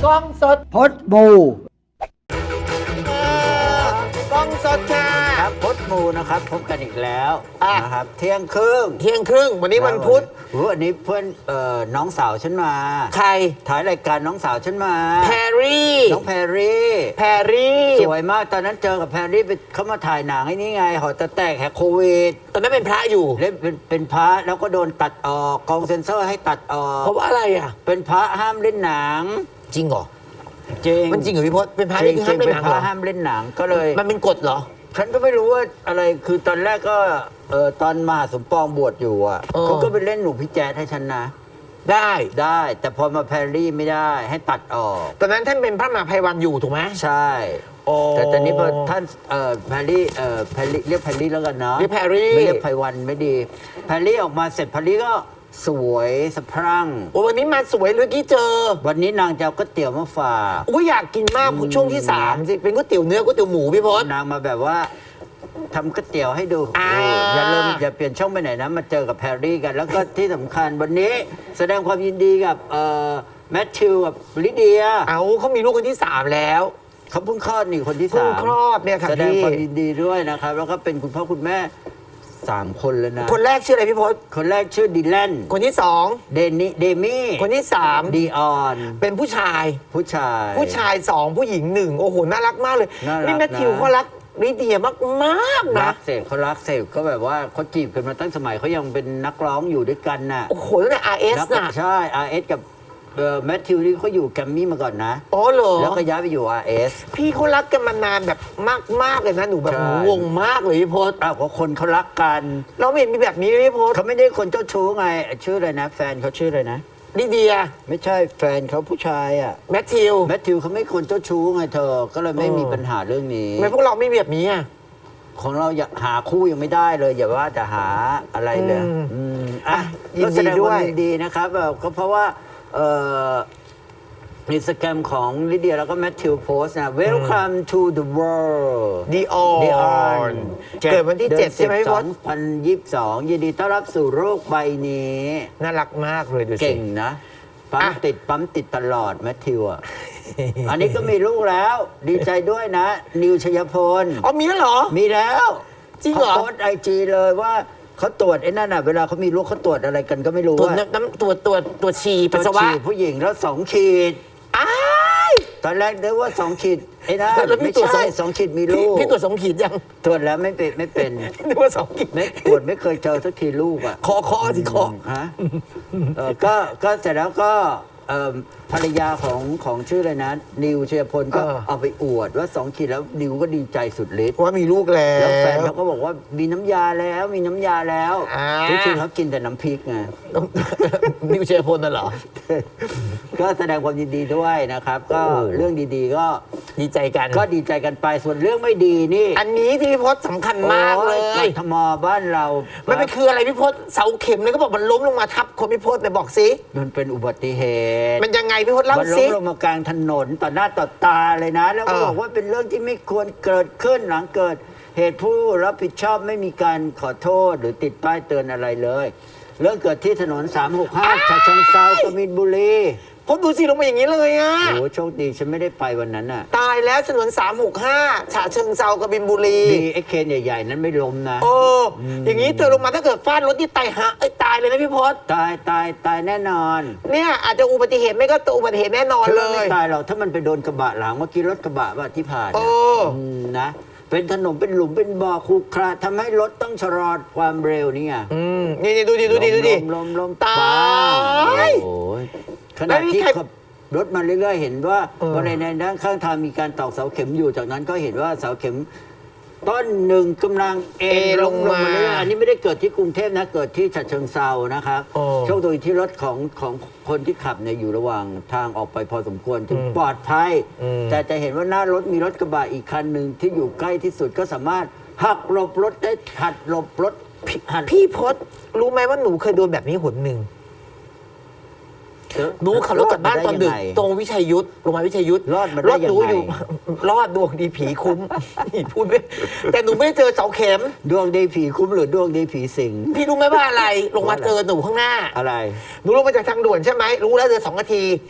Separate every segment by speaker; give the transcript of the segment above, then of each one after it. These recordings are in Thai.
Speaker 1: กล้องสด
Speaker 2: พดบู
Speaker 1: กล้องสดค่ะ
Speaker 3: ครับพดมูนะครับพบกันอีกแล้ว
Speaker 1: อ่ะ
Speaker 3: นะครับเที่ยงครึ่ง
Speaker 1: เที่ยงครึ่งวันนี้วันพุธ
Speaker 3: วันนี้เพื่อนน้องสาวฉันมา
Speaker 1: ใคร
Speaker 3: ถ่ายรายการน้องสาวฉันมา
Speaker 1: แพรรี่
Speaker 3: น้องแพรรี่
Speaker 1: แพรรี่
Speaker 3: สวยมากตอนนั้นเจอกับแพรรี่เขามาถ่ายหนังไอ้นี่ไงหอแตกแหกโควิด
Speaker 1: ตอนนั้นเป็นพระอยู่
Speaker 3: เล่นเป็นพระแล้วก็โดนตัดออกกองเซ็นเซอร์ให้ตัดออก
Speaker 1: เพราะว่าอะไรอ่ะ
Speaker 3: เป็นพระห้ามเล่นหนัง
Speaker 1: จริงเหรอ
Speaker 3: จริง
Speaker 1: มันจริงเหรอพี่พศเป็นพระ
Speaker 3: จริ
Speaker 1: นี่
Speaker 3: ง
Speaker 1: คือ
Speaker 3: จริ
Speaker 1: ห้าง มเล่นหนัง
Speaker 3: เป็นพ
Speaker 1: เหร
Speaker 3: ระ
Speaker 1: อ
Speaker 3: ห้ามเล่นหนังก็เลย
Speaker 1: มันเป็นกฎเหรอ
Speaker 3: ฉันก็ไม่รู้ว่าอะไรคือตอนแรกก็ตอนมหาสมปองบวชอยู่อ่ะ
Speaker 1: เออ
Speaker 3: เขาก็ไปเล่นหนูพี่แจ๊ดให้ฉันนะ
Speaker 1: ได้
Speaker 3: ได้ แต่พอมาแพรรี่ไม่ได้ให้ตัดออก
Speaker 1: ตอนนั้นท่านเป็นพระมหาภัยวันอยู่ถูกไหม
Speaker 3: ใช่
Speaker 1: โอ้
Speaker 3: แต่ตอนนี้พอท่านแพรรี่แพรรี่เรียกแพรรี่แล้วกันเนาะ
Speaker 1: เรียกแพรรี่
Speaker 3: ไม่เรียกไพวันไม่ดีแพรรี่ออกมาเสร็จแพรรี่ก็สวยสะพรั่ง
Speaker 1: โอ้วันนี้มาสวยเลยกี้เจอ
Speaker 3: วันนี้นางจะเอาก๋วยเตี๋ยวมาฝาก
Speaker 1: อุ้ยอยากกินมากช่วงที่3สิเป็นก๋วยเตี๋ยวเนื้อก๋วยเตี๋ยวหมูพี่พศ
Speaker 3: นางมาแบบว่าทำก๋วยเตี๋ยวให้ดู
Speaker 1: อ่า
Speaker 3: อย่าเปลี่ยนช่องไปไหนนะมาเจอกับแพรรี่กัน แล้วก็ที่สำคัญวันนี้แสดงความยินดีกับแมทธิวกับลิเดีย
Speaker 1: เอาเขามีลูกคนที่3แล้ว
Speaker 3: เขาเพิ่งคลอดนี่คนที่
Speaker 1: เพิ่ง
Speaker 3: 3
Speaker 1: คลอดเนี่ยค่ะ
Speaker 3: แสดง
Speaker 1: พี่
Speaker 3: ความยินดีด้วยนะครับ แล้วก็เป็นคุณพ่อคุณแม่3 คนแล้วนะ
Speaker 1: คนแรกชื่ออะไรพี่พศ
Speaker 3: คนแรกชื่อดิแลน
Speaker 1: คนที่
Speaker 3: เดมี่
Speaker 1: 2คนที่
Speaker 3: ดีออน
Speaker 1: 3เป็นผู้ชาย
Speaker 3: ผู้ชาย
Speaker 1: ผู้ชาย2ผู้หญิง1โอ้โหน่ารักมากเลย
Speaker 3: น่ารัก
Speaker 1: นี่แมทธิว
Speaker 3: นะ
Speaker 1: เขารักลิเดียมากๆ
Speaker 3: รั
Speaker 1: นะ
Speaker 3: กเสกเขารักเสกก็แบบว่าเขาจีบกันมาตั้งสมัยเขายังเป็นนักร้องอยู่ด้วยกันน่ะ
Speaker 1: โอ้โหตั้งแต่ RS
Speaker 3: แล้วก็
Speaker 1: น่ะ
Speaker 3: ใช่ RS กับแมทธิวนี่เขาอยู่แกรมมี่มาก่อนนะ
Speaker 1: อ๋อเหรอ
Speaker 3: แล้วก็ย้ายไปอยู่ RS
Speaker 1: พี่เขารักกันมานานแบบมากๆเลยนะหนูแบบ
Speaker 3: ใช่
Speaker 1: หนูงงมากเลยพี่พศ
Speaker 3: อ้าวก็คนเขารักกัน
Speaker 1: เราไม่เห็นมีแบบนี้เลยพี่พศ
Speaker 3: เขาไม่ได้คนเจ้าชู้ไง ชื่ออะไรนะ แฟนเขาชื่ออะไรนะ
Speaker 1: ลิเดีย
Speaker 3: ไม่ใช่แฟนเขาผู้ชายอ่ะ
Speaker 1: แมทธิว
Speaker 3: แมทธิวเขาไม่คนเจ้าชู้ไงเธอ ก็เลยไม่มีปัญหาเรื่องนี้
Speaker 1: ทำไมพวกเราไม่มีแบบนี้อ่ะ
Speaker 3: ของเราอยากหาคู่ยังไม่ได้เลย อย่าว่าจะหาอะไรเลย
Speaker 1: อ่ะยิ
Speaker 3: ก็
Speaker 1: น
Speaker 3: แส
Speaker 1: ดี
Speaker 3: ดง
Speaker 1: ด้
Speaker 3: คว วาย มยินดีนะครับก็เพราะว่าอินสตาแกรมของลิเดียแล้วก็แมทธิวโพสต์นะ Welcome to the world
Speaker 1: ดีออ
Speaker 3: The
Speaker 1: น
Speaker 3: On
Speaker 1: เกิดวันที่ 7 ใช่ไหมพี่พศ
Speaker 3: 2022 ยินดีต้อนรับสู่โลกใบนี้
Speaker 1: น่ารักมากเลยดูสิ
Speaker 3: เก่งนะ ปั๊ม
Speaker 1: อ่ะ
Speaker 3: ติดตลอดแมทธิวอ่ะ อันนี้ก็มีลูกแล้ว ดีใจด้วยนะ นิวชยพล
Speaker 1: อ๋อมีแล้วเหรอ
Speaker 3: มีแล้ว
Speaker 1: จริงเหรอ
Speaker 3: ขาโพสไอจีเลยว่าเขาตรวจไอ้นั่นน่ะเวลาเขามีลูกเขาตรวจอะไรกันก็ไม่รู้
Speaker 1: ตรวจ
Speaker 3: ว่า
Speaker 1: น้ำตรวจฉี่
Speaker 3: ตร
Speaker 1: ปัส
Speaker 3: วจ
Speaker 1: สาวะ
Speaker 3: ฉี่ผู้หญิงแล้ว2 ขีด
Speaker 1: อ้าย
Speaker 3: ตอนแรกนึกว่า2 ขีดไอ้นั่น
Speaker 1: แล้วพี่
Speaker 3: ไม่
Speaker 1: ตรวจ
Speaker 3: ใช่
Speaker 1: สอง
Speaker 3: 2 ขีดมีลูก
Speaker 1: พี่ตรวจ2 ขีดยัง
Speaker 3: ตรวจแล้วไม่เป็น
Speaker 1: นึกว่า2 ขีด
Speaker 3: ไม่ตรวจไม่เคยเจอสักทีลูกอ่ะ
Speaker 1: คอสิคอ
Speaker 3: ฮะก็เสร็จแล้วก็ภรรยาของชื่ออะไรนะนิวเชียพลก็เอาไปอวดว่า2 ขีดแล้วนิวก็ดีใจสุดฤทธิ์
Speaker 1: ว่ามีลูกแล้ว
Speaker 3: แล้วแฟนเขาก็บอกว่ามีน้ำยาแล้วมีน้ำยาแล้ว
Speaker 1: อ่า
Speaker 3: จริงๆเขากินแต่น้ำพริกไง
Speaker 1: นิวเชยพลน่ะเหรอ
Speaker 3: ก็แสดงความยินดีด้วยนะครับ ก็
Speaker 1: โอ้
Speaker 3: เรื่องดีๆ ก็
Speaker 1: ดีใจกัน
Speaker 3: ก็ดีใจกันไปส่วนเรื่องไม่ดีนี่
Speaker 1: อันนี้ที่พี่พศสำคัญมากเลย
Speaker 3: โอ้กทมบ้านเรา
Speaker 1: มันเป็นคืออะไรพี่พศเสาเข็มเลยก็บอกมันล้มลงมาทับคนพี่พศเลยบอกสิ
Speaker 3: มันเป็นอุบัติเหตุ
Speaker 1: มันยังไงพี่พศเล่า
Speaker 3: มันล้
Speaker 1: สิ
Speaker 3: มลงมากลางถนนต่อหน้าต่อตาเลยนะ แล้วก็
Speaker 1: เออ
Speaker 3: บอกว่าเป็นเรื่องที่ไม่ควรเกิดขึ้นหลังเกิดเหตุผู้รับผิดชอบไม่มีการขอโทษหรือติดป้ายเตือนอะไรเลย เรื่องเกิดที่ถนน 365 ฉะเชิงเทรากบินบุรี
Speaker 1: พศดูสิลงมาอย่างนี้เลยอ่ะ
Speaker 3: โอ้โหโชคดีฉันไม่ได้ไปวันนั้นน่ะ
Speaker 1: ตายแล้วถนน365ฉะเชิงเซากบินบุรี
Speaker 3: ดีไอ้เคนใหญ่ๆ นั้นไม่ล้มนะ
Speaker 1: โอ้อย่างนี้เธอลงมาถ้าเกิดฟาดรถที่ตายตายเลยนะพี่พศ
Speaker 3: ตายแน่นอน
Speaker 1: เนี่ยอาจจะอุบัติเหตุไม่ก็ตัวอุบัติเหตุแน่นอน
Speaker 3: ฉัน
Speaker 1: เล
Speaker 3: ว่าไม่
Speaker 1: ย
Speaker 3: ตายหรอกถ้ามันไปโดนกระบะหลังเมื่อกี้รถกระบะว่าที่ผ่าน
Speaker 1: โอ้
Speaker 3: น่ะนะ เป็นถนนเป็นหลุมเป็นบ่อขรุขระทำให้รถต้องชะลอความเร็วนี่ไง
Speaker 1: นี่ดูดิ
Speaker 3: ลม
Speaker 1: ตาย
Speaker 3: ป้งโอ้ยขณะที่ขับรถมาเรื่อยๆเห็นว่าบริเวณด้านข้างทางมีการตอกเสาเข็มอยู่จากนั้นก็เห็นว่าเสาเข็มต้นหนึ่งกำลังเอ็นลงมาเรื่อยๆอันนี้ไม่ได้เกิดที่กรุงเทพนะเกิดที่ฉะเชิงเทรานะครับ
Speaker 1: โอ้
Speaker 3: โชคดีที่รถของคนที่ขับเนี่ยอยู่ระหว่างทางออกไปพอสมควรถึงปลอดภัย แต่จะเห็นว่าหน้ารถมีรถกระบะอีกคันหนึ่งที่อยู่ใกล้ที่สุดก็สามารถหักหลบรถได้หัดหลบรถหัด
Speaker 1: พี่พศรู้ไหมว่าหนูเคยโดนแบบนี้หนหนึ่งหนูขับรถกลับบ้านตอนดึกตรงวิชัยยุทธโรงพยาบาลวิชัยยุทธ
Speaker 3: รอดมาได้ยัง
Speaker 1: หนู
Speaker 3: ไง
Speaker 1: อยู่ รอดดวงดีผีคุ้ม นี่พูดไม่แต่หนูไม่ได้เจอเสาเข็ม
Speaker 3: ดวงดีผีคุ้มหรือดวงดีผีสิง
Speaker 1: พี่รู้ไหมว่าอะไรลงมาเจอหนูข้างหน้า
Speaker 3: อะไร
Speaker 1: หนูลงมาจากทางด่วนใช่ไหมรู้แล้วเจอ2 นาที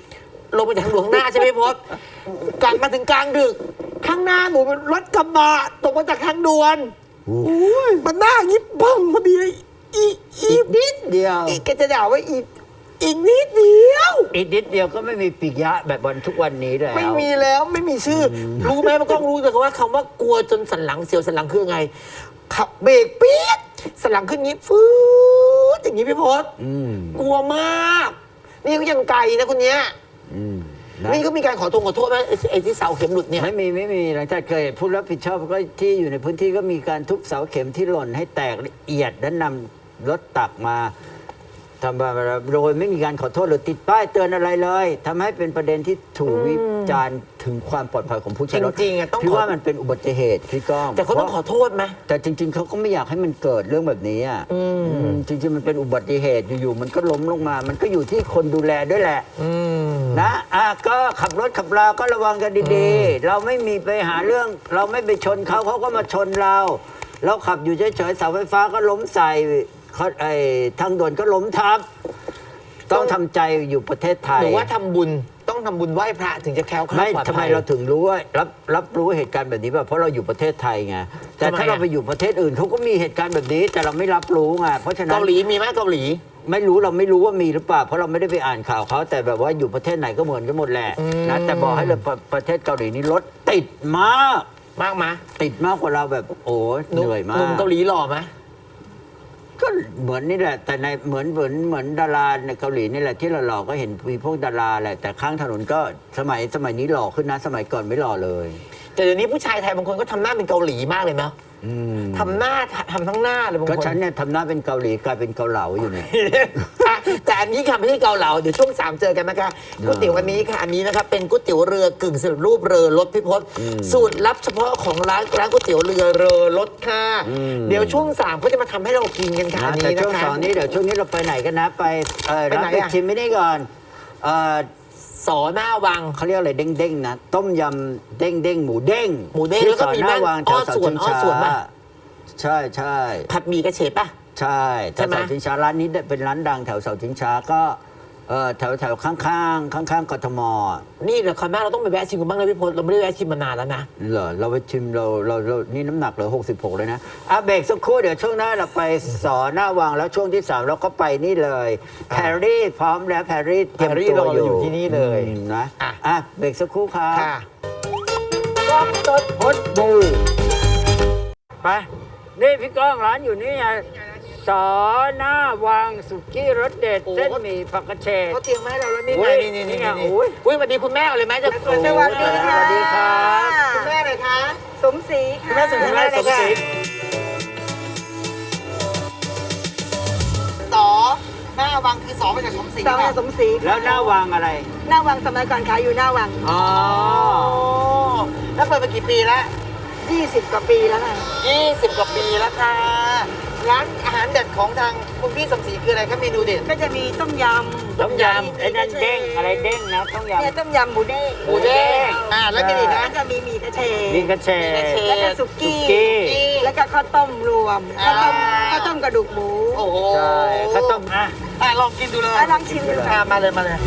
Speaker 1: ลงมาจากทางด่วนข้างหน้าใช่ไหมพี่พศกลับมาถึงกลางดึก ข้างหน้าหนูเป็นรถกระบะตกมาจากทางด่วนมันหน้ายิบบังพอดีเลยอีก
Speaker 3: นิดเดียว
Speaker 1: อีกแกจะด่าว่าอีกนิดเดียว
Speaker 3: อีกนิดเดียวก็ไม่มีปิยะแบบวันทุกวันนี้แล้ว
Speaker 1: ไม่มีแล้วไม่มีชื่อรู้ไหมมันก็รู้แต่ว่าคำว่ากลัวจนสันหลังเสียวสันหลังคือไงขับเบรกปี๊ดสันหลังขึ้นงี้ฟื้ดอย่างนี้พี่พศกลัวมาก นี่ก็ยังไกลนะคนเนี้ย
Speaker 3: นะ
Speaker 1: นี่ก็มีการขอโทษไหมไอ้ที่เสาเข็มหลุดเนี่ย
Speaker 3: ไม่มีหลังจากเกิดผู้รับผิดชอบก็ที่อยู่ในพื้นที่ก็มีการทุบเสาเข็มที่หล่นให้แตกละเอียดและนำรถตักมาทำมาโดยไม่มีการขอโทษหรือติดป้ายเตือนอะไรเลยทำให้เป็นประเด็นที่ถูกวิจารณ์ถึงความปลอดภัยของผู้ใช้รถ
Speaker 1: จริงๆอะต้อง
Speaker 3: พี่ว่ามันเป็นอุบัติเหตุพี่ก้อง
Speaker 1: แต่เขาต้องขอโทษไหม
Speaker 3: แต่จริง ๆเขาก็ไม่อยากให้มันเกิดเรื่องแบบนี้อ่ะจริงๆมันเป็นอุบัติเหตุอยู่ๆมันก็ล้มลงมา มันก็อยู่ที่คนดูแลด้วยแหละนะก็ขับรถขับราก็ระวังกันดีๆ เราไม่มีไปหาเรื่อง เราไม่ไปชนเขาเขาก็มาชนเราขับอยู่เฉยๆเสาไฟฟ้าก็ล้มใส่ทางด่วนก็ล้มทับต้องทำใจอยู่ประเทศไทย
Speaker 1: หรือว่าทำบุญต้องทำบุญไหว้พระถึงจะแคล้วคลาด
Speaker 3: ไม่
Speaker 1: ปลอด
Speaker 3: ทำไม
Speaker 1: ภัย
Speaker 3: เราถึงรู้ว่ารับรู้เหตุการณ์แบบนี้ป่ะเพราะเราอยู่ประเทศไทยไงแต่
Speaker 1: ทำไม
Speaker 3: ถ้าเรา
Speaker 1: อะ
Speaker 3: ไปอยู่ประเทศอื่นเขาก็มีเหตุการณ์แบบนี้ แต่เราไม่รับรู้ไงเพราะฉะนั้น
Speaker 1: เกาหลีมีไหมเกาหลี
Speaker 3: ไม่รู้เราไม่รู้ว่ามีหรือเปล่าเพราะเราไม่ได้ไปอ่านข่าวเขาแต่แบบว่าอยู่ประเทศไหนก็เหมือนกันหมดแหละนะแต่บอกให้เลยประเทศเกาหลีนี่รถติดมาก
Speaker 1: มากไหม
Speaker 3: ติดมากกว่าเราแบบโอ้เหนื่อยมา
Speaker 1: หนุ่ม
Speaker 3: ก
Speaker 1: เกาหลีหล่อไหม
Speaker 3: ก็เหมือนนี่แหละแต่ในเหมือนดาราในเกาหลีนี่แหละที่เราหล่อก็เห็นมีพวกดาราแหละแต่ข้างถนนก็สมัยนี้หล่อขึ้นนะสมัยก่อนไม่หล่อเลย
Speaker 1: แต่เดี๋ยวนี้ผู้ชายไทยบางคนก็ทำหน้าเป็นเกาหลีมากเลยเนาะทำทั้งหน้าเลยบางคน
Speaker 3: ก็ฉันเนี่ยทำหน้าเป็นเกาหลีกลายเป็นเกาเหลาอยู่เนี่ย
Speaker 1: อ่ะแต่อันนี้ค่ะไม่ใช่เกาเหลาเดี๋ยวช่วง 3 เจอกันนะคะก๋วยเตี๋ยววันนี้ค่ะอันนี้นะครับเป็นก๋วยเตี๋ยวเรือกึ่งสำเร็จรูปเรือรสพิพศสูตรลับเฉพาะของร้านก๋วยเตี๋ยวเรือรสค่ะเดี๋ยวช่วง 3เขาจะมาทำให้เรากินกันค่ะอัน
Speaker 3: แต่
Speaker 1: นี้นะ
Speaker 3: ช่วง
Speaker 1: คะ
Speaker 3: สองนี้เดี๋ยวช่วงนี้เราไปไหนกันนะไป
Speaker 1: ไปไหน
Speaker 3: ร้านไป
Speaker 1: อะ
Speaker 3: ชิมไม่ได้ก่อน
Speaker 1: สอหน้าวัง
Speaker 3: เขาเรียกอะไรเด้งๆนะต้มยำเด้งหมูเด้ง
Speaker 1: หมูเด้ง
Speaker 3: ที่
Speaker 1: แล้วก็มี
Speaker 3: สอนหน้า
Speaker 1: แม่ง
Speaker 3: วางแถวเสาชิง
Speaker 1: อ้อ
Speaker 3: ช้า
Speaker 1: ส่วนป่ะ
Speaker 3: ใช่ใช่
Speaker 1: ผัดหมี่กระเฉดป่ะ
Speaker 3: ใช่แถ
Speaker 1: ใช่
Speaker 3: ว
Speaker 1: ไหม
Speaker 3: เสาชิงช้าร้านนี้เป็นร้านดังแถวเสาชิงช้าก็แถวข้างกทม
Speaker 1: นี่เดี๋ยวคราวหน้าเราต้องไปแวะชิมกันบ้างเลยพี่พศเราไม่ได้แวะชิมมานานแล้วนะ
Speaker 3: เหรอเราไปชิมเรานี่น้ำหนักเหลือ66เลยนะเบรกสักครู่เดี๋ยวช่วงหน้าเราไปสอหน้าวังแล้วช่วงที่3เราก็ไปนี่เลยแพรรี่พร้อมแล้วแพรรี่เตรียม
Speaker 1: แพรรี่
Speaker 3: ตัว
Speaker 1: รอเราอยู่ที่นี่เลย
Speaker 3: นะ
Speaker 1: อ่ะ
Speaker 3: เบรกสักครู่ครับ
Speaker 1: ค่ะ
Speaker 3: กล้องสดพดบูไปนี่พี่ก้องร้านอยู่นี่ไงสอหน้าวังสุกี้รสเด็ด
Speaker 1: โอ้
Speaker 3: เส้นหมี่ผักกระเฉด
Speaker 1: เขาเตรียมมาให้เราแล้วนี่
Speaker 3: อุ๊
Speaker 1: ไง
Speaker 3: ย
Speaker 1: นี่
Speaker 3: นี่ไง
Speaker 1: อุ้ยสวัสดีคุณแม่เอาเลยไหมจะ
Speaker 3: สวัสดีค่ะสวัสดีครับ
Speaker 1: คุณแม่เลยคะ
Speaker 2: สมศรี
Speaker 1: คุณ
Speaker 2: ค่ะ
Speaker 1: แม่สมศรีสมศรีสอหน้าวังคือสอมาจากสมศรี
Speaker 2: สาวสมศรี
Speaker 3: แล้วหน้าวังอะไร
Speaker 2: หน้าวังสมัยก่อนขายอยู่หน้าวัง
Speaker 3: อ๋อ
Speaker 1: แล้วเปิดมากี่ปีแล้ว
Speaker 2: 20 กว่าปีแล้วค่ะ
Speaker 1: 20 กว่าปีแล้วค่ะ ร้านอาหารเด็ดของทางคุณพี่สมศรีคืออะไรครับเมนูเด็ด
Speaker 2: ก็จะมีต้มย
Speaker 3: ต้มยำไอ้นั่นเด้งอะไรเด้งนะต้ม
Speaker 2: ำเนี่ย
Speaker 3: ยำ
Speaker 2: ต้มยำหมูเด้ง
Speaker 1: หมูเด้งแล้วมีอีก
Speaker 2: แล้
Speaker 1: นะ
Speaker 2: วก็มีหมี่กระเฉด
Speaker 3: มีกระเฉด
Speaker 2: แล้วก็สุกี้
Speaker 3: สุกี้
Speaker 2: แล้วก็ข้าวต้มรวมข้าวต้มกระดูกหมู
Speaker 1: โอ้โห
Speaker 3: ใช่ข้าวต้ม
Speaker 1: ลองกินดูเลย
Speaker 2: ลองชิมดูค่ะ
Speaker 1: มาเลยมาเลย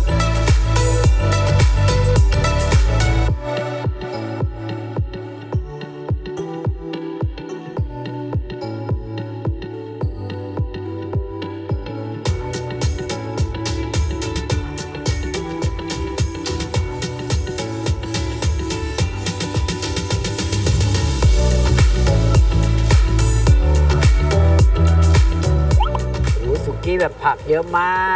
Speaker 3: โอ้สุกี้แบบผักเยอะมาก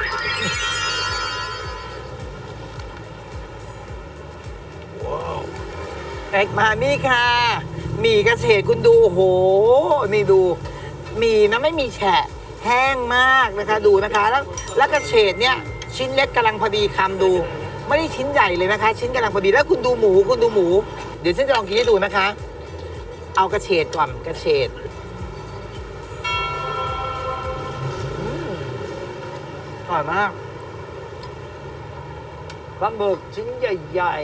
Speaker 1: เอกมานี่ค่ะหมี่กระเฉดคุณดูโอ้โหนี่ดูหมี่นะไม่มีแฉะแห้งมากนะคะดูนะคะแล้วกระเฉดเนี่ยชิ้นเล็กกำลังพอดีคำดู ไม่ได้ชิ้นใหญ่เลยนะคะ ชิ้นกำลังพอดีแล้วคุณดูหมูเดี๋ยวฉันจะลองกินให้ดูนะคะ เอากระเฉดก่อนกระเฉดอร่อยมาก
Speaker 3: ปลาหมึกชิ้นใหญ่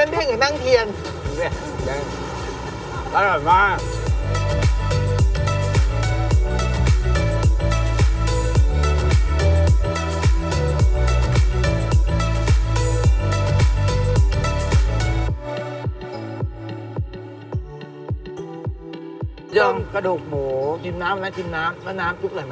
Speaker 1: เด้งหรือนั่งเทียน
Speaker 3: อร่อยมาก
Speaker 1: ยอม
Speaker 3: กระดูกหมู
Speaker 1: ชิมน้ำนะชิมน้ำแล้วน้ำซุปอะไรไหม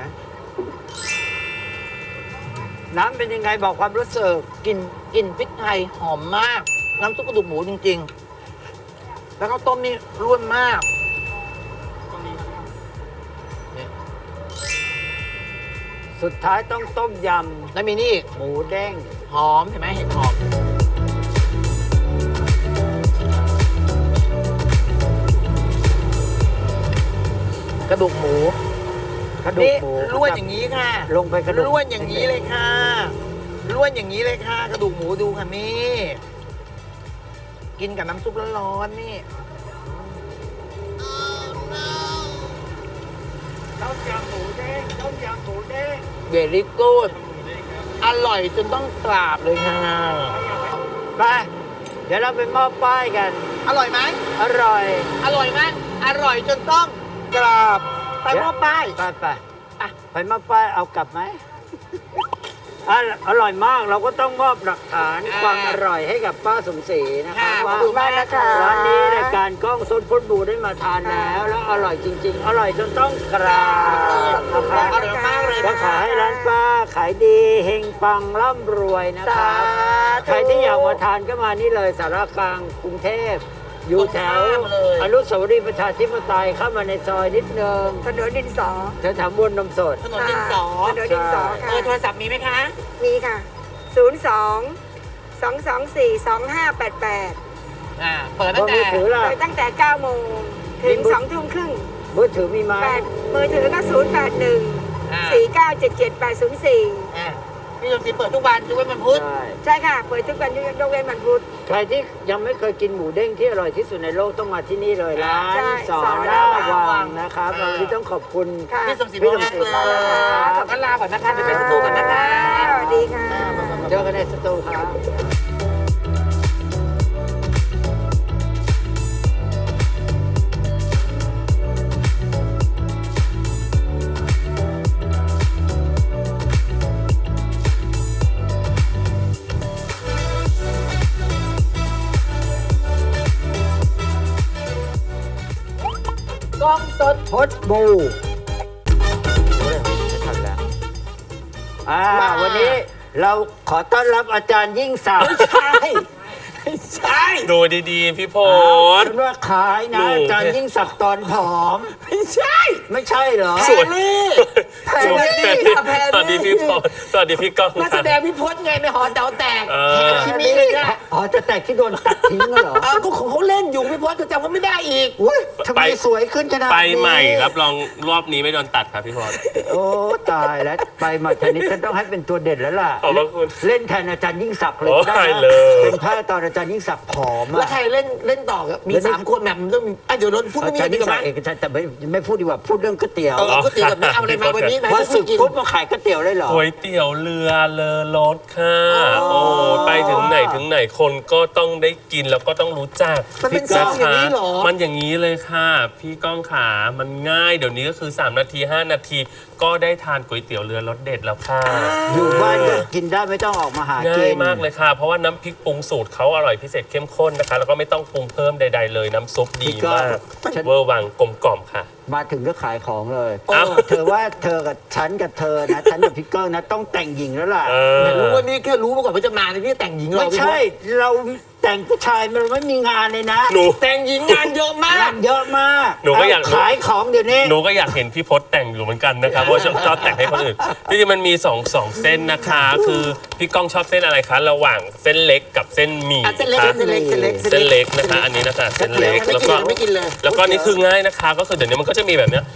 Speaker 3: น้ำเป็นยังไงบอกความรู้สึก
Speaker 1: กลิ่นพริกไทยหอมมาก น้ำซุปกระดูกหมูจริงๆ แล้วข้าวต้มนี่ร่วนมาก
Speaker 3: สุดท้ายต้องต้มย
Speaker 1: แล้วมีนี่
Speaker 3: ำหมูเด้ง
Speaker 1: หอมเห็นไหมเห็ดหอมกระดูกหมู
Speaker 3: กระดูก
Speaker 1: นี่
Speaker 3: หมู
Speaker 1: ล้วนอย่างนี้ค่ะ
Speaker 3: ลงไปกระดูก
Speaker 1: ล้วนอย่างนี้เลยค่ะล้วนอย่างนี้เลยค่ะ กระดูกหมูดูค่ะนี่ กินกับน้ำซุปร้อนๆนี่
Speaker 3: ต้มยำหมูเด้งต้มยำหมูเด้ง
Speaker 1: เวรี่กูดอร่อยจนต้องกราบเลยค่ะ
Speaker 3: ไปเดี๋ยวเราไปมอบป้ายกัน
Speaker 1: อร่อยไหม
Speaker 3: อร่อย
Speaker 1: อร่อยไหมอร่อยจนต้องกราบไปมอบป้าย
Speaker 3: ไปไปมอบป้ายเอากลับไหมอร่อยมากเราก็ต้องมอบหลักฐานความอร่อยให้กับป้าสมศรีนะคะ
Speaker 1: ขอบ
Speaker 3: ว่า
Speaker 1: คุณมากนะคะ
Speaker 3: ร้านนี้รายการกล้องสดพดบูได้มาทานแล้วอร่อยจริง ๆ อร่อยจนต้องกราบนะคะ
Speaker 1: อร่อยมากเลย
Speaker 3: ก็
Speaker 1: นะ
Speaker 3: ขอ
Speaker 1: คะ
Speaker 3: ให้ร้านป้าขายดีเฮงปังร่ำรวยนะครับ ใครที่อยากมาทานก็มานี่เลยสารกลางกรุงเทพอยู่แถวอนุสาวรีย์ประชาธิปไตยเข้ามาในซอยนิดนึง
Speaker 2: ถนนดินสอ
Speaker 3: แถวๆบนนมสด
Speaker 1: ถนนดินสอ
Speaker 2: ถนนดินสอค่ะ
Speaker 1: โทรศัพท์มีไหมคะ
Speaker 2: มีค่ะ 02-224-2588
Speaker 1: เปิดตั้งแต่
Speaker 3: มือถือล่ะ
Speaker 2: โดยตั้งแต่ 9 โมงถึง 2 ทุ่มครึ่ง
Speaker 3: มือถือมีไหม
Speaker 2: มือถือก็ 081-497-804
Speaker 1: พี่ยมศรีเปิดทุกวันยกเว้นวันพุธ
Speaker 3: ใช่
Speaker 2: ใช่ค่ะ เปิดทุกวันยกเว้นวันพุธ
Speaker 3: ใครที่ยังไม่เคยกินหมูเด้งที่อร่อยที่สุดในโลกต้องมาที่นี่เลยร้าน
Speaker 2: ใช่
Speaker 3: สอน
Speaker 2: สอน
Speaker 3: หน้า
Speaker 2: หน้าวั
Speaker 3: วั
Speaker 2: ง
Speaker 3: งนะครับ
Speaker 1: อ่า
Speaker 3: วันนี้ต้องขอบคุณ
Speaker 2: ค่ะ
Speaker 1: พี่สมศรี
Speaker 3: พี่
Speaker 1: มาก
Speaker 3: สมศรี
Speaker 1: เลย
Speaker 3: มาก
Speaker 1: ขอบคุณลาก่อนนะคะเดี๋ยวไปสตูกันนะคะ
Speaker 2: สวัสดีค่ะ
Speaker 3: เจอกันในสตูครับ
Speaker 1: กล้องสด
Speaker 3: พดบูไม่ทันแล้ววันนี้เราขอต้อนรับอาจารย์ยิ่งศักดิ์
Speaker 1: ใช่ใช่
Speaker 4: ดูดีๆ พี่พศ
Speaker 3: ฉันว่าคล้ายนะ
Speaker 4: ดู
Speaker 3: อาจารย์ยิ่งศักดิ์ตอนผอม
Speaker 1: ไม่ใช่
Speaker 3: ไม่ใช่เหรอ
Speaker 1: แพรรี่
Speaker 4: สวัสดี
Speaker 1: แพรรี่
Speaker 4: สวัสดีพี่พศสวัสดีพี่ก้อง
Speaker 1: นักแสดงพี่พจน์ไงในหอแต๋วแตก
Speaker 4: เอ
Speaker 1: แถ
Speaker 4: อ
Speaker 1: วคิมิเลยนะ
Speaker 3: อ๋อจะแตกที่โดนตัดทิ้งแล้วเหรอ
Speaker 1: ก็ของเขาเล่นอยู่พี่พจน์จะจำเขาไม่ได้อีก
Speaker 3: อุ้ยทำไมสวยขึ้นขนาดนี้
Speaker 4: ไปใหม่รับรองรอบนี้ไม่โดนตัดครับพี่พศ
Speaker 3: โอ้ตายแล้วไปใหม่ชนิดฉันต้องให้เป็นตัวเด่นแล้วล่ะ
Speaker 4: ขอบพระคุณ
Speaker 3: เล่นแทนอาจารย์ยิ่งศักดิ์เลย
Speaker 4: โอ้
Speaker 3: ได้
Speaker 4: ย
Speaker 3: นะ
Speaker 4: เลย
Speaker 3: เป็นภาคตอนอาจารย์ยิ่งศักดิ์ผอม
Speaker 1: แล้ว
Speaker 3: อะ
Speaker 1: ใครเล่นต่อครับมี
Speaker 3: แล้วนี่
Speaker 1: 3 คนแบบมันต้องมีเดี๋ยวเราพูด
Speaker 3: อา
Speaker 1: เรื่อง
Speaker 3: จารย์
Speaker 1: นี้
Speaker 3: ยิ่
Speaker 1: ดี
Speaker 3: ง
Speaker 1: กว่า
Speaker 3: ศัก
Speaker 1: ไหม
Speaker 3: ดิ์เอกชัยแต่ไม่พูดดีกว่าพูดเรื่องก๋วยเตี๋ยว
Speaker 1: ก็ตีแบบนี้เอาอะไรมาวันนี้ไหน
Speaker 3: วันศุกร์
Speaker 1: กิน
Speaker 3: ปุ๊บมาขายก๋วยเตี๋ยวเลยเหรอ
Speaker 4: ก๋วยเตี๋ยวเรือเลอรสค่ะ
Speaker 1: อ๋อ
Speaker 4: โอ้ไปถึงไหนคนก็ต้องได้กินแล้วก็ต้องรู้จัก
Speaker 1: มันเป็นซองอย่างนี้เหรอ
Speaker 4: มันอย่างนี้เลยค่ะ พี่ก้องขามันง่ายเดี๋ยวนี้ก็คือ3 นาที 5 นาที ก็ได้ทานก๋วยเตี๋ยวเรือรสเด็ดแล้วค่ะ
Speaker 3: อยู่บ้านก็กินได้ไม่ต้องออกมาหากิ
Speaker 4: ง่าย
Speaker 3: น
Speaker 4: มากเลยค่ะ เพราะว่าน้ำพริกปรุงสูตรเขาอร่อยพิเศษเข้มข้นนะคะ แล้วก็ไม่ต้องปรุงเพิ่มใด ๆ เลยน้ำซุปดีมาก
Speaker 3: ฉัน
Speaker 4: เวอร์วังกลมกล่อมค่ะ
Speaker 3: มาถึงก็ขายของเลย
Speaker 4: เอ้า
Speaker 3: เธอว่าเธอกับฉันกับเธอนะฉันกับพี่ก้องนะต้องแต่งหญิงแล้วล่ะ
Speaker 4: เอ
Speaker 1: แต่รู้
Speaker 4: อ
Speaker 1: ว่านี่แค่รู้มาก่อนว่าจะมาในพี่แต่งหญิงเรา
Speaker 3: ไม่ใช่ เราแต่งผู้ชายมันไม่มีงานเลยนะ
Speaker 4: หนู
Speaker 1: แต่งหญิงงานเยอะมาง
Speaker 3: าก นเยอะมาก
Speaker 4: หนูก็อยาก
Speaker 3: ขายของเดี๋ยวนี้
Speaker 4: หนูก็อยากเห็นพี่พศแต่งอยู่เหมือนกันนะครับเพราะว่าชอบแต่งให้คนอื่นจริงๆมันมี2เส้นนะคะ คือพี่ก้องชอบเส้นอะไรคะ ระหว่างเส้นเล็กกับเส้นหมี่
Speaker 1: เส้นเล็ก
Speaker 4: ค่ะ
Speaker 1: เส้นเล็กเส้นเล็ก
Speaker 4: เส้นเล็กนะคะ อันนี้นะคะเส้นเล็ก
Speaker 1: ไม่
Speaker 4: แล้ว
Speaker 1: กิน
Speaker 4: ก็
Speaker 1: เลยไม่กินเลย
Speaker 4: แล้วก็นี่คือง่ายนะคะ ก็คือเดี๋ยวนี้มันก็จะมีแบบเนี้ย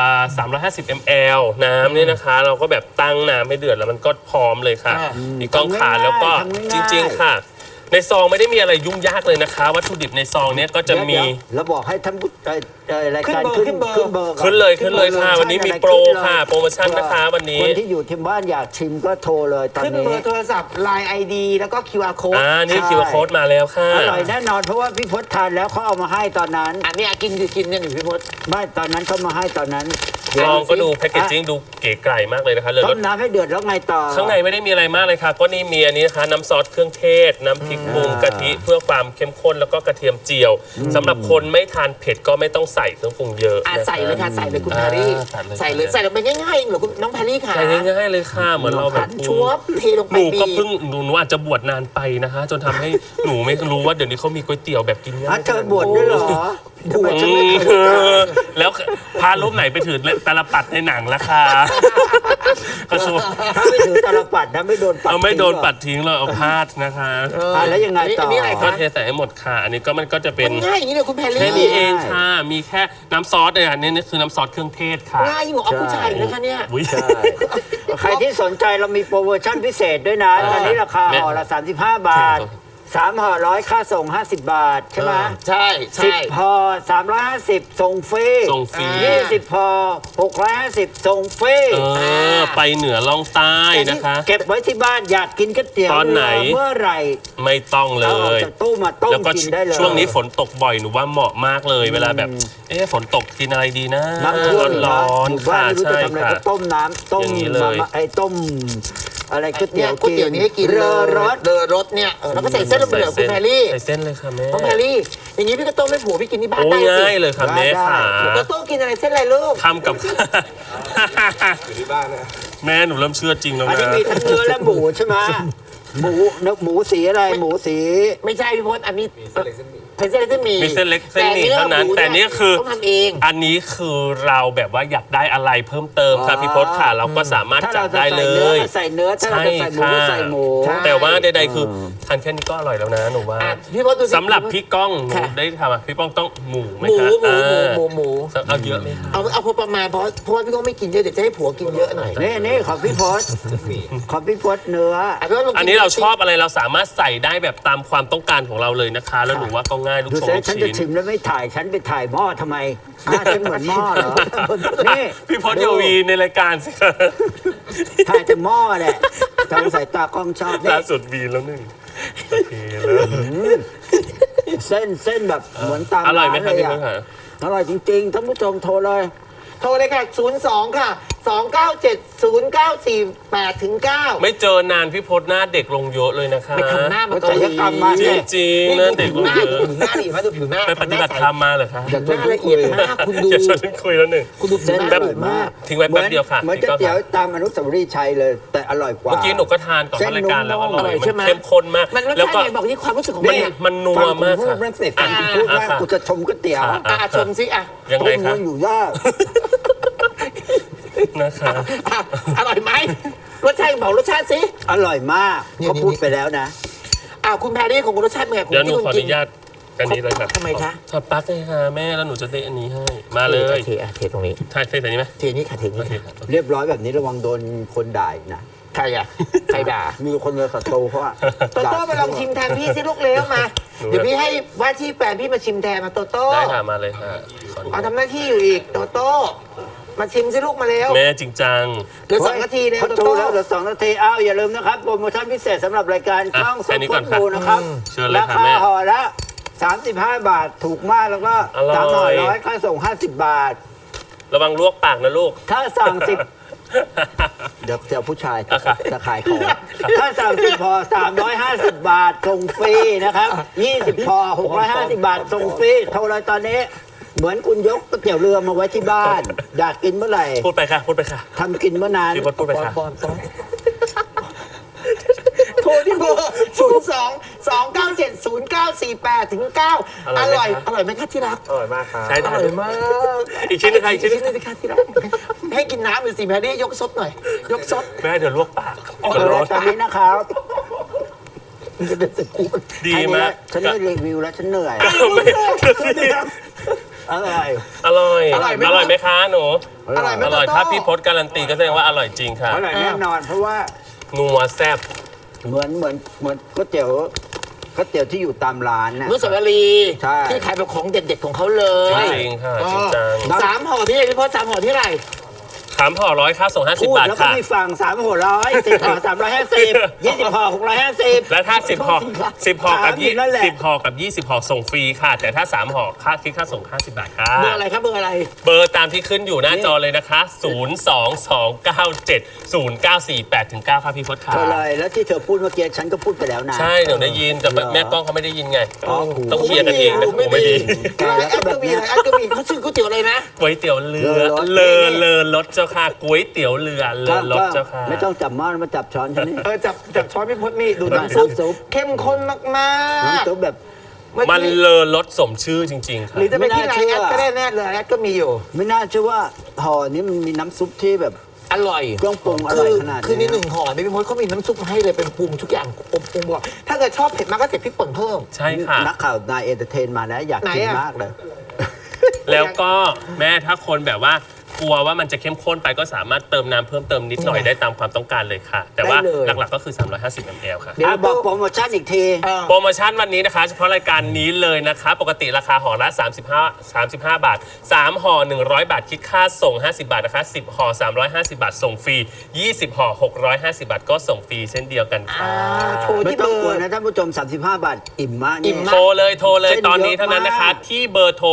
Speaker 4: 350 ml น้ำนี่นะคะ เราก็แบบตั้งน้ำให้เดือดแล้วมันก็พร้อมเลยค่ะ
Speaker 1: อ่า
Speaker 4: พี่ก้องขาแล้วก็
Speaker 3: ทำง่ายๆ
Speaker 4: จริง ๆ ค่ะในซองไม่ได้มีอะไรยุ่งยากเลยนะคะ วัตถุดิบในซองเนี้ยก็จะมี
Speaker 3: เดี๋ยวเราบอกให้ท่านผู้รายการ
Speaker 2: ขึ้นเบอร์
Speaker 3: ขึ้นเบอร์ก่อ
Speaker 4: ขึ้นเลยค่ะ วันนี้มีโปรค่ะ โปรโมชั่นนะคะวันนี้
Speaker 3: คนที่อยู่ที่บ้านอยากชิมก็โทรเลยตอน
Speaker 2: ขึ้นเบ
Speaker 3: นี้
Speaker 2: อร์โทรศัพท์ Line ID แล้วก็ QR code
Speaker 4: นี่คิวโค้ดมาแล้วค่ะ
Speaker 3: อร่อยแน่นอนเพราะว่าพี่พศทานแล้วเขาเอามาให้ตอนนั้น
Speaker 1: อันนี้กินเนี่ยหนูพี่พศ
Speaker 3: ไม่ตอนนั้นเขามาให้ตอนนั้น
Speaker 4: ลองก็ดูแพคเกจจิ้งดูเก๋ไก่มากเลยนะคะเลย
Speaker 3: ต้
Speaker 4: ร
Speaker 3: ม
Speaker 4: ส
Speaker 3: น้ำให้เดือดแล้วไงต่อ
Speaker 4: ข้างในไม่ได้มีอะไรมากเลยค่ะ ก็นี่มีอันนี้นะคะน้ำซอสเครื่องเทศ น้ำพริกปรุงกะทิเพื่อความเข้มข้นแล้วก็กระเทียมเจียวสำหรับคนไม่ทานเผ็ดก็ไม่ต้องใส่เครื่องปรุงเยอะ
Speaker 1: ใส่เลยค่ะใส่เลยคุณแพรรี่ ใส่เลยใส่ลงไปง่ายๆเหรอคุณน้องแพรรี่ค่ะ
Speaker 4: ใส่ง่ายๆเลยค่ะเหมือนเราแบบ
Speaker 1: ชัวบเทลงไป
Speaker 4: หนูก็
Speaker 1: บีบ
Speaker 4: เพิ่งหนูอาจจะบวชนานไปนะคะ จนทำให้หนูไม่รู้ว่าเดี๋ยวนี้เขามีก๋วยเตี๋ยวแบบกินง่าย
Speaker 3: เธอบวชด้วยเหรอทำไมฉันไม่เคย
Speaker 4: แล้วพารูปไหนไปถือตาลปัดในหนังละค่ะกระทรวง
Speaker 3: ถ้าไม่ถือตาลปัดนะไม่โดนปัด
Speaker 4: เอาไม่โดนปัด
Speaker 3: ทิ้ง
Speaker 4: ทิ้งเราเอาพาดนะคะ
Speaker 3: แล้วยังไงต่อ
Speaker 1: อันนี้อะไร
Speaker 4: ก็
Speaker 1: คะ
Speaker 4: เทใส่ให้หมดค่ะ อันนี้ก็มันก็จะเป็น
Speaker 1: มันง่ายอย่างนี้เลยคุณแพรรี่
Speaker 4: แค่นี้เองค่ะ มีแค่น้ำซอสเนี่ยอันนี้นี่คือน้ำซอสเครื่องเทศค่ะ
Speaker 1: ง่ายยิ่งกว่าเอาผู้ชายอีกนะคะเนี่ย
Speaker 4: อุ๊ย
Speaker 3: ใช่ใครที่สนใจเรามีโปรโมชั่นพิเศษด้วยนะตอนนี้ราคาห่อละ35 บาท 3 ห่อ100ค่าส่ง50 บาทใช่ไหม
Speaker 1: ใช่ใช่
Speaker 3: 10ห่อ350ส่งฟรี
Speaker 4: ส่งฟรี
Speaker 3: 20ห่อ650ส่งฟรี
Speaker 4: ไปเหนือล่องใต้นะคะ
Speaker 3: เก็บไว้ที่บ้านอยากกินก๋วยเตี๋ยว
Speaker 4: ตอนไหน
Speaker 3: เมื่อไหร่
Speaker 4: ไม่ต้องเล
Speaker 3: เอาออก
Speaker 4: ย
Speaker 3: จากตู้มาต้ม
Speaker 4: แล้วก็
Speaker 3: กินได้เลย
Speaker 4: ช่วงนี้ฝนตกบ่อยหนูว่าเหมาะมากเลย เวลาแบบ ฝนตกกินอะไรดีนะ
Speaker 3: น้ำท่วม
Speaker 4: ร้อน
Speaker 3: อยู่
Speaker 4: ๆ
Speaker 3: บ้า
Speaker 4: ค่ะ
Speaker 3: นไม่รู้จะ
Speaker 4: ใช่
Speaker 3: ทำอะไร
Speaker 4: ค่ะ
Speaker 3: ก็ต้มน้ำต้ม
Speaker 4: อย่างนี้เลย
Speaker 3: ไอ้ต้มอะไรก๋วยเตี๋
Speaker 1: เนี่ย
Speaker 3: ยว
Speaker 1: ก๋วยเตี๋ยวนี้ให้กิน
Speaker 3: เรือรส
Speaker 1: เรือรสเนี่ยแล้วก็ใส่เส้นลงไปเลยคุณแพรรี่
Speaker 4: ใส่เส้นเลยค่ะแม่
Speaker 1: น้องแพรรี่ อย่างนี้พี่ก็ต้มให้ผัวพี่กินที่บ้าน
Speaker 4: โอ้
Speaker 1: ได้
Speaker 4: ง่าย
Speaker 1: สิ
Speaker 4: เลยค่ะแม่ค่ะ
Speaker 1: ก็ต้มกินอะไรเส้นอะไรลูก
Speaker 4: ทำกับแม่หนูเริ่มเชื่อจริงแล้ว
Speaker 3: อัน
Speaker 4: นะ
Speaker 3: นี้มีทั้งเนื้อและหมูใช่ไหมหมูเนื้อหมูสีอะไรหมูสี
Speaker 1: ไม่ใช่พี่พศอันนี้เป็นเส้นเล็กเส้นหมี่
Speaker 4: มีเส้นเล็กเส้นหมี่เท่านั้น แต่นี่คือ
Speaker 1: ต้องทำเอง
Speaker 4: อันนี้คือเราแบบว่าอยากได้อะไรเพิ่มเติมค่ะพี่พศค่ะ เราก็สามารถ
Speaker 3: ถ้า
Speaker 4: จั
Speaker 3: เรา
Speaker 4: ด
Speaker 3: จะ
Speaker 4: ได้
Speaker 3: ใส่
Speaker 4: เล
Speaker 3: เนื้อย ก็ใส่เนื้อถ้าเราจะใส่หมูก็ใส่หมู
Speaker 1: ใช่
Speaker 4: แต่ว่าใดๆคือทานแค่นี้ก็อร่อยแล้วนะหนูว่า
Speaker 1: อ่ะพี่พศดูสิ
Speaker 4: สำหรับพี่ก้องหนู
Speaker 1: ค่ะ
Speaker 4: ได้ทำอ่ะพี่ป้องต้องหมูไหม
Speaker 1: หมู
Speaker 4: คะ
Speaker 1: หมู
Speaker 4: เอาเยอะไหมคะ
Speaker 1: เอาพอประมาณเพราะว่าพี่ก็ไม่กินเยอะเดี๋ยวจะให้ผัวกินเยอะหน่อย
Speaker 3: นี่ขอพี่พศขอพี่พศเนื้อ
Speaker 1: พี่พศลงกิ
Speaker 4: อันนี้เราชอบอะไรเราสามารถใส่ได้แบบตามความต้องการของเราเลยนะคะ แล้วหนูว่าก็ง่ายลูก
Speaker 3: ดู
Speaker 4: ชง
Speaker 3: สิ
Speaker 4: ลูก
Speaker 3: ฉันจะ
Speaker 4: ชิ้น
Speaker 3: ชิมแล้วไม่ถ่ายฉันไปถ่ายหม้อทำไมฉันเหมือนหม้อเหรอนี่
Speaker 4: พี่พศโยวีในรายการสิคะ
Speaker 3: ถ่ายแต่หม้อแหละทางสายตากล้องชอบนี่
Speaker 4: ล่าสุดวีแล้วหนึ่งโอเคแล้ว
Speaker 3: เส้นแบบเหมือนตาม
Speaker 4: อร่อยไหมคะ
Speaker 3: า
Speaker 4: พี่
Speaker 3: น
Speaker 4: พ
Speaker 3: เล
Speaker 4: ศ
Speaker 3: ย
Speaker 4: ค่ะ
Speaker 3: อร่อยจริงๆท่านผู้ชมโทรเลย
Speaker 1: โทรเลยค่ะ 02 ค่ะ 2970948ถึง9
Speaker 4: ไม่เจอนานพี่พศหน้าเด็กลงเยอะเลยนะคะ
Speaker 1: ไปทำหน้ามา
Speaker 3: ศัลยกรรมมา
Speaker 4: จ
Speaker 3: เนี่ย
Speaker 4: ริงๆหน้าเด็กลงเยอะ
Speaker 1: ดูผิวหน้าดิมาดูผิวหน้า
Speaker 4: ไปปฏิบัติธรรมมาเหรอคะ
Speaker 3: อยาก
Speaker 1: หน้าละเอียดมากคุณดู
Speaker 4: อย่าชวนฉันคุยแล้วหนึ่ง
Speaker 1: คุณดูผิ
Speaker 3: เส้
Speaker 1: วน หน้า
Speaker 3: อ
Speaker 1: ละ
Speaker 3: ร่
Speaker 1: เอี
Speaker 3: อย ย
Speaker 1: ดมาม
Speaker 3: าก ก
Speaker 4: ทิ้งไว้แป๊บเดียวค่ะ
Speaker 3: เหมือนก๋วยเตี๋ยวตามอนุสาวรีย์ชัยเลย แต่อร่อยกว่า
Speaker 4: เมื่อกี้หนูก็ทานก่อนเข้ารายการแล้วอร่อยมันเข้มข้นมาก
Speaker 1: มันรส
Speaker 4: แล้ว
Speaker 1: ชา
Speaker 4: ก็
Speaker 1: ติไงบอกที่ความรู้สึกของมัน
Speaker 3: นี่
Speaker 1: อะ
Speaker 4: มันนัว
Speaker 3: ฟัง
Speaker 4: มาก
Speaker 3: พูด
Speaker 4: ค่ะ
Speaker 3: เรื่องเสร็จฟังกูพูดว่า
Speaker 4: ค่ะ
Speaker 3: กูจะชมก๋วยเตี๋ยว
Speaker 1: ชมสิอ่ะ
Speaker 4: ยังไง
Speaker 3: ต้ม
Speaker 4: คะ
Speaker 3: มันอยู่ยาก
Speaker 4: นะคะ
Speaker 1: อ่ะอร่อยไหมรสชาติบอกรสชาติสิ
Speaker 3: อร่อยมาก
Speaker 1: นี่
Speaker 3: เขาพูดไปแล้วนะ
Speaker 1: คุณแพรรี่ของคุณรสชาติเป็นไง
Speaker 4: เดี๋ยวหนู
Speaker 1: ที่
Speaker 4: ขอ
Speaker 1: คุ
Speaker 4: อ
Speaker 1: ณ
Speaker 4: นุญาตอันนี้เลยค่ะ
Speaker 1: ทำไมคะ
Speaker 4: ถอดปลั๊กเลยค่ะแม่แล้วหนูจะเตะอันนี้ให้ มาเลย
Speaker 1: โอเคเทตรงนี้
Speaker 4: ถ่ายเทใส่นี้ไหม
Speaker 1: เทนี่ค่ะเท
Speaker 4: โอ
Speaker 1: นี่
Speaker 4: เค
Speaker 1: ค่ะ
Speaker 4: ค่ะ
Speaker 3: เรียบร้อยแบบนี้ระวังโดนคนด่าอีกนะ
Speaker 1: ใครอ่ะใครด่า
Speaker 3: มีคนเลยศัตรูเพราะว่า
Speaker 1: โตโต้มาลองชิมแทนพี่สิลูกเลี้ยวมา เดี๋ยวพี่ให้ว่าที่แฟนพี่มาชิมแทนมาโตโต้
Speaker 4: ได้ค่ะมาเลยค่ะขออนุ
Speaker 1: เอา
Speaker 4: ญาต
Speaker 1: ทำหน้าที่อยู่อีกโตโต้มาชิมสิลูกมาเร็ว
Speaker 4: แม่จริงจัง
Speaker 1: เหลือ2 นาทีเนี่ย
Speaker 3: เขา
Speaker 1: โต
Speaker 3: ดู
Speaker 1: โต้
Speaker 3: แล้วเหลือ2 นาทีอ้าวอย่าลืมนะครับโปรโมชั่นพิเศษสำหรับรายการช่อง
Speaker 4: แค่นี้ก่อนค่ะ
Speaker 3: ดูนะครับ
Speaker 4: เชิญเลย
Speaker 3: รา
Speaker 4: ค่ะ
Speaker 3: คา
Speaker 4: แม่
Speaker 3: ห่อละ35 บาทถูกมากแล้วก็
Speaker 4: อร่อย
Speaker 3: สามห่อร้อยค่าส่ง50 บาท
Speaker 4: ระวังลวกปากนะลูก
Speaker 3: ถ้าสั่ง10 เดี๋ยวผู้ชาย
Speaker 4: อ่ะค่ะ
Speaker 3: จะขายของถ้าสั่ง10 พอ 350 บาทส่งฟรีนะครับ20 พอ 650 บาทส่งฟรีโทรเลยตอนนี้ เหมือนคุณยกก๋วยเตี๋ยวเรือมาไว้ที่บ้าน อยากกินเมื่อไหร่
Speaker 4: พูดไปค่ะ พูดไปค่ะ
Speaker 3: ทำกินเมื่อนาน
Speaker 4: พี่พศพูดไปค่ะ
Speaker 1: โทรที่เบอร์02-297-0948ถึง9
Speaker 4: อ
Speaker 1: อ
Speaker 4: ร่
Speaker 1: ร่
Speaker 4: อ
Speaker 1: อย ย
Speaker 4: ไหมคะ
Speaker 1: อร่อยไหมคะที่รัก
Speaker 4: อร่อยมากค่ะใช่
Speaker 1: อ
Speaker 4: ได้
Speaker 1: ร่อยมาก
Speaker 4: อีกชิ้นหนึงค่ะอีกชิ้นหนึง
Speaker 1: สิคะที่รักให้กินน้ำหรือสิแพรรี่ยกซดหน่อย ยกซด
Speaker 4: แม่เดี๋ยวลวกปาก
Speaker 3: โทรเลยตอนนี้นะครับ
Speaker 1: มันจะเป็นสกู๊ป
Speaker 4: ดีมาก
Speaker 3: ฉันไม่รีวิวแล้วฉันเหนื่อย
Speaker 4: ไม่
Speaker 3: อร่อย
Speaker 4: อร่อยอร่อยไหมคะหนู
Speaker 1: อร่อยไหม
Speaker 4: อร่อย
Speaker 1: โตโต้
Speaker 4: ถ้าพี่พศการันตีก็แสดงว่าอร่อยจริงค่ะ
Speaker 3: อร่อยแน่นอนเพราะว่า
Speaker 4: นัวแซ่บ
Speaker 3: เหมือนก๋วยเตี๋ยวก๋วยเตี๋ยวที่อยู่ตามร้านน่ะ
Speaker 1: อนุสาวรีย์
Speaker 3: ใช่
Speaker 1: ที่ขายเป็นของเด็ดๆของเขาเลย
Speaker 4: จริงๆค่ะจริงจัง
Speaker 1: 3 ห่อที่ไหนพี่พศ3 ห่อที่ไหน
Speaker 4: 3 ห่อ100ค่าส่ง50
Speaker 3: พูด
Speaker 4: บาท
Speaker 3: แล้วก็
Speaker 4: ค่ะ
Speaker 3: ไม่ฟัง3ห่อ100 10ห่อ350 20ห่อ650
Speaker 4: และถ้า 10 ห่อ 10 ห่อกับ
Speaker 3: ถามอยู่นั่นแหละ
Speaker 4: 10 ห่อกับ 20 ห่อส่งฟรีค่ะ แต่ถ้า 3 ห่อค่าคิดค่าส่ง50 บาทค่ะ
Speaker 1: เบอร์อะไรครับเบอร์อะไร
Speaker 4: เบอร์ตามที่ขึ้นอยู่หน้าจอเลยนะคะ 022970948-9 ค่ะพี่พศค่ะ
Speaker 3: เธอเลยแล้วที่เธอพูดเมื่อกี้ฉันก็พูดไปแล้วนะ
Speaker 4: ใช่เดี๋ยวได้ยินแต่
Speaker 3: เหรอ
Speaker 4: แม่กล้องเขาไม่ได้ยินไง
Speaker 3: อ๋อ
Speaker 4: ต้องเคลียร์กันเองนะ
Speaker 1: หูไม่
Speaker 4: หูไม่ดี
Speaker 1: ดีไลน์แอดก็มีไลน์แอดก็มีเขาชื่อก๋วยเตี๋ยวอะไรนะ
Speaker 4: ก๋วยเตี๋ยวเรือ
Speaker 3: เรือรส
Speaker 4: เลอรถเจ้าค่ะก๋วยเตี๋ยวเรือเลอรถเจ้าค่ะ
Speaker 3: ไม่ต้องจับหม้อมาจับช้อนฉันนี่
Speaker 1: จับช้อนพี่พศนี่ดูน้ำซุป
Speaker 3: น้ำซุป
Speaker 1: เข้มข้นมาก
Speaker 3: น้ำซุปแบบ
Speaker 1: ๆ
Speaker 4: มันเลอรถสมชื่อจริงๆค่ะ
Speaker 1: หรือจะเป็นที่ไล
Speaker 3: ไม่
Speaker 1: น์แอ
Speaker 3: น่า
Speaker 1: ด
Speaker 3: เชื่อ
Speaker 1: ก็ได้แน่เลยแอดก็มีอยู่
Speaker 3: ไม่น่าเชื่อว่าห่อนี้มันมีน้ำซุปที่แบบ
Speaker 1: อร่อย
Speaker 3: เครื่องปรุงอร่อยขนาดนี้
Speaker 1: คือใน1 ห่อนี่พี่พศเขามีน้ำซุปให้เลยเป็นปรุงทุกอย่างปรุงบอกถ้าเกิดชอบเผ็ดมากก็ใส่พริกป่นเพิ่ม
Speaker 4: ใช่ค่ะ
Speaker 3: นักข่าวนายเอนเตอร์เทนมาแล้วอยากกิน
Speaker 1: ไหนอะ
Speaker 3: มากเลย
Speaker 4: แล้วก็แม่ถ้าคนแบบว่ากลัวว่ามันจะเข้มข้นไปก็สามารถเติมน้ำเพิ่มเติมนิดหน่อยได้ตามความต้องการเลยค่ะ แต่ว่า
Speaker 1: ได้เลย
Speaker 4: หลักๆก็คือ 350 ml ค่ะ
Speaker 1: เดี๋ยว
Speaker 3: บอกโปรโมชั่นอีกที
Speaker 4: โปรโมชั่นวันนี้นะคะเฉพาะรายการนี้เลยนะคะ ปกติราคาห่อละ35 บาท 3 ห่อ 100 บาทคิดค่าส่ง 50 บาทนะคะ 10 ห่อ 350 บาทส่งฟรี 20 ห่อ 650 บาทก็ส่งฟรีเช่นเดียวกันค่ะ
Speaker 1: โทร
Speaker 3: ไม่
Speaker 1: ที่
Speaker 3: ต้
Speaker 1: เบ
Speaker 3: อง
Speaker 1: อก
Speaker 3: ลัว
Speaker 1: ร์
Speaker 3: นะท่านผู้ชม 35 บาทอิ่มมาก
Speaker 1: อิ่
Speaker 3: นี่
Speaker 1: มมาก
Speaker 4: โทรเลย
Speaker 3: เส้น
Speaker 4: ตอนนี้
Speaker 3: เยอะ
Speaker 4: เท่านั้นนะคะ
Speaker 3: มาก
Speaker 4: ที่เบอร์โทร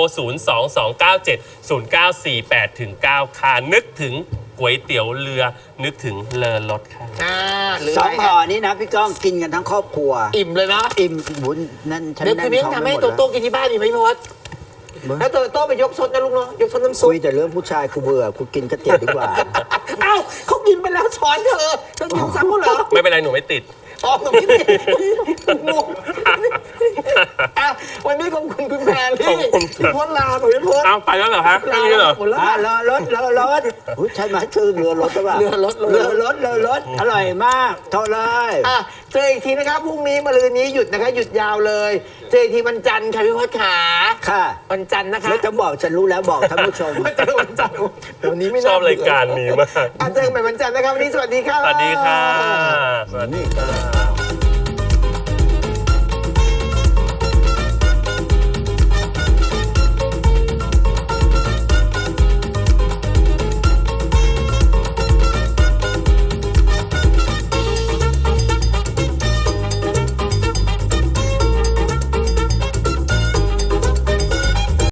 Speaker 4: 022970948-9 ค่ะ นึกถึงก๋วยเตี๋ยวเรือนึกถึงเลอรถค่ะ
Speaker 1: หรือ
Speaker 3: สอง
Speaker 1: ไลน์แอ
Speaker 3: ห่อ
Speaker 1: ด
Speaker 3: นี้นะพี่ก้องกินกันทั้งครอบครัว
Speaker 1: อิ่มเลยนะ
Speaker 3: อิ่มบุญนั่นฉัน
Speaker 1: เดี๋ยว
Speaker 3: แน่
Speaker 1: คืน
Speaker 3: น
Speaker 1: นี้
Speaker 3: ท้อง
Speaker 1: ทำ
Speaker 3: ไป
Speaker 1: ให้
Speaker 3: หมด
Speaker 1: โต
Speaker 3: แล้ว
Speaker 1: โต้กินที่บ้านดีไหมพี่พศแล้วโตไปยกซดนะลูกเนาะยกซดน้ำซุป
Speaker 3: คุยแต่เรื่องผู้ชายกูเบื่อกูกินก๋วยเตี๋ยวดีกว่า
Speaker 1: เอ้าเขากินไปแล้วช้อนเธอกินซ้ำเขาเหรอ
Speaker 4: ไม่เป็นไรหนูไม่ติด
Speaker 1: อ๋อหนูไม่ติดงงอ่ะวันนี้ขอบคุณคุณแพรรี่
Speaker 4: ขอบคุณครับ
Speaker 1: พี่พศลาผมพี่พศ
Speaker 4: เอาไปแล้วเหรอคะแค่นี้เหรอ
Speaker 1: หมดแล้ว
Speaker 3: อ่ะรถอุ๊ยใช่ไหมชื่อเรือรถใช่ป่ะ
Speaker 1: เรือรถ
Speaker 3: เรือรถอร่อยมากเท่าเลย
Speaker 1: อ่ะเจออีกทีนะครับพรุ่งนี้มะรืนนี้หยุดนะคะหยุดยาวเลย เจออีกทีวันจันทร์ค่ะพี่พศขา
Speaker 3: ค่ะ
Speaker 1: วันจันทร์นะคะ
Speaker 3: ไม่ต้องบอกฉันรู้แล้วบอกท่านผู้ชม
Speaker 1: เจอวันจันทร์วันนี้ไม่
Speaker 4: ช
Speaker 1: น่า
Speaker 4: อบรายการนี้มาก
Speaker 1: อ่ะเจอกันใหม่วันจันทร์นะครับวันนี้สวัสดีค่ะ
Speaker 4: สวัสดีค่ะ สวัสดีค่ะ